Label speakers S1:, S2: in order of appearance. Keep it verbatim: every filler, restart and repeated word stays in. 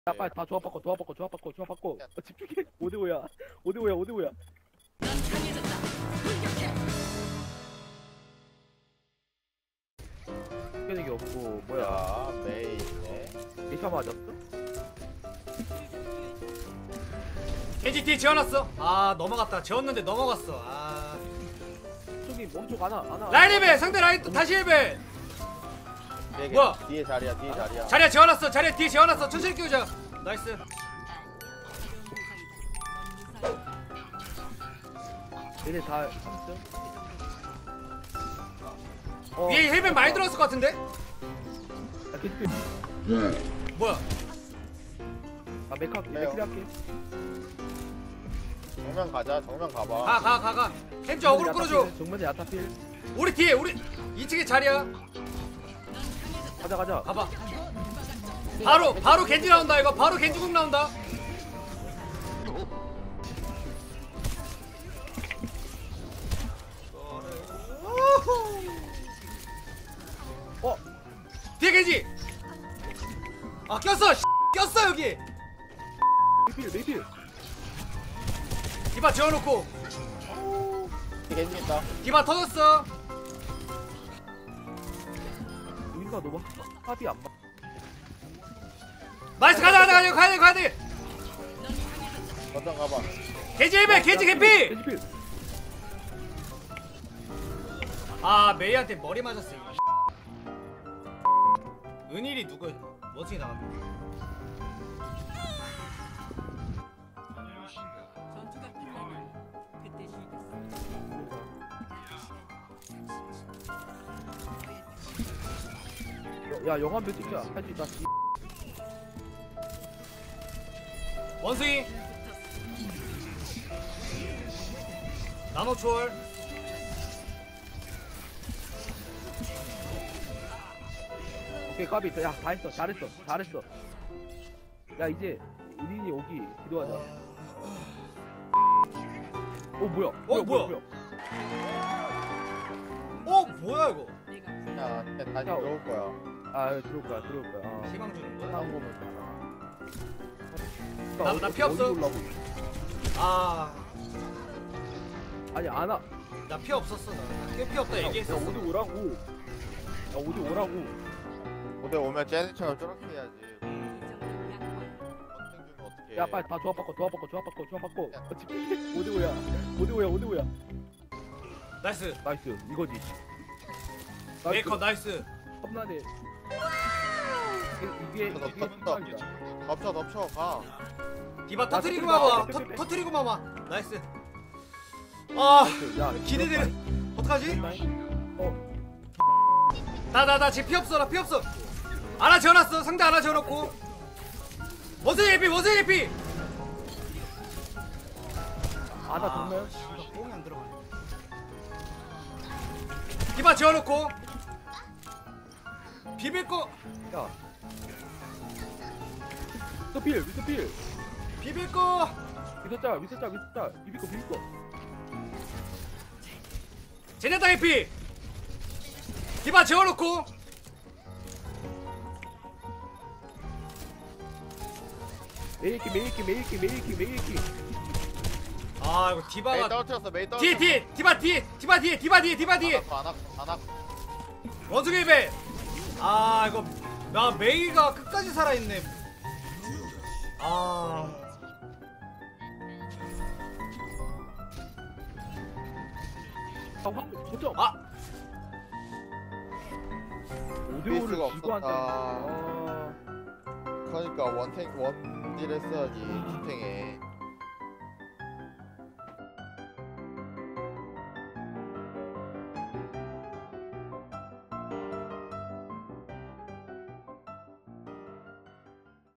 S1: 야 빨리 다 조합 바꿔 조합 바꿔 조합 바꿔 조합 바꿔 어, 집중해. 오대오야 오대오야 오대오야. 게 없고 뭐야
S2: 메이네.
S1: 미샤 맞았어?
S3: 겐지 뒤에 지어놨어. 아 넘어갔다. 지었는데 넘어갔어. 아
S1: 저기 멈춰 안아 안아
S3: 라인 힐벨 상대 라인 또 다시 힐벨. 뭐야?
S2: 뒤에 자리야, 뒤에 자리야.
S3: 자리야 지어놨어. 자리야 뒤에 지어놨어. 천천히 끼우자. 나이스.
S1: 얘네 다 삼점 어,
S3: 위에 힐벨 많이 들어갔을 것 같은데?
S1: 야 계속
S3: 뭐야?
S1: 아 메카
S2: 그래요.
S1: 메크리 할게.
S2: 정면 가자, 정면 가봐.
S3: 가 가 가 가. 햄즈 어그로 끌어줘.
S1: 정면에 야타필.
S3: 우리 뒤에 우리 이 층에 자리야.
S1: 가자 가자.
S3: 가봐. 바로 바로 겐지 나온다 이거. 바로 겐지국 나온다.
S1: 어
S3: 뒤에 겐지. 아 꼈어. 꼈어 여기.
S1: 메필 메필.
S3: 디바 지어놓고.
S2: 뒤에 겐지 있다.
S3: 디바 터졌어.
S1: 우리가 너무 합이 안 맞.
S3: 나이스 가자 가자 가자 가야 돼 가야 돼.
S2: 거점 가봐.
S3: 겐지 힐벨 겐지 개피.
S1: 겐지필.
S3: 아 메이한테 머리 맞았어. 이거. 은일이 누구 어떻게 나갔네.
S4: 전투가 끝나면 그때 시작했습니다.
S1: 야 영화 몇 찍자. 할 수 있다.
S3: 원숭이 나노 초월.
S1: 오케이 까비 있어. 야다 했어. 잘했어. 잘했어. 야 이제 우린이 오기 기도하자. 어 뭐야?
S3: 어, 뭐야? 어 뭐야 이거.
S4: 내가
S2: 야, 다시
S1: 야,
S2: 들어올 거야.
S1: 아 들어올 거야 들어올 거야. 아.
S3: 희망 주는 거야.
S1: 다음 거면.
S3: 나- 나피 없어. 아,
S1: 아니 안아.
S3: 나 피 없었어. 나피 없다
S1: 야
S3: 얘기했어.
S1: 어디 오라고. 야 어디 오라고.
S2: 무대 오면 쟤네처럼 저렇게 해야지.
S4: 이정도 약화.
S2: 선생님은 어떻게?
S1: 야 빨리 다 조합 바꿔 조합 바꿔 조합 바꿔 조합 바꿔. 어, 집중해. 오대오야 오대오야 오대오야.
S3: 나이스.
S1: 나이스 이거지.
S3: 메이커 나이스.
S1: 험난해. 이게 이게 이게 중간이다.
S2: 덮쳐, 덮쳐, 가.
S3: 디바 터트리고
S1: 나
S3: 마마.
S1: 빼, 빼, 빼, 빼.
S3: 터- 터트리고 마마. 나이스. 아
S1: 야
S3: 기대되는. 어떡하지?
S1: 어
S3: 나 나 나 지금 피 없어. 나 피 없어. 하나 지어놨어. 상대 하나 지어놓고. 원숭이 에피 원숭이 에피.
S1: 아나 정면.
S3: 이거 뽕이 안 들어가네. 디바 지어놓고. 비빌 거.
S1: 야. 미스터필 미스터필.
S3: 비빌 거.
S1: 미스터 미스터 미스터 비비코 비비코.
S3: 제네타 에피. 디바 지어놓고.
S1: 메이키 메이키 메이키 메이키 메이키.
S3: 아 이거
S2: 메이
S3: 디바가
S2: 떨어뜨렸어, 메이
S3: 뒤에
S2: 떨어뜨렸어.
S3: 뒤에 디바 뒤에 디바 뒤에 디바 뒤에 디바 뒤에
S2: 안 왔고, 안 왔고.
S3: 원숭이 배. 아 이거 나 메이가 끝까지 살아있네. 아
S1: 아 황, 거점.
S3: 아.
S1: 오대오를
S2: 베이스가
S1: 쥐고 한다.
S2: 없었다.
S1: 아.
S2: 그러니까 원탱 원딜 했어야지, 슈팅에.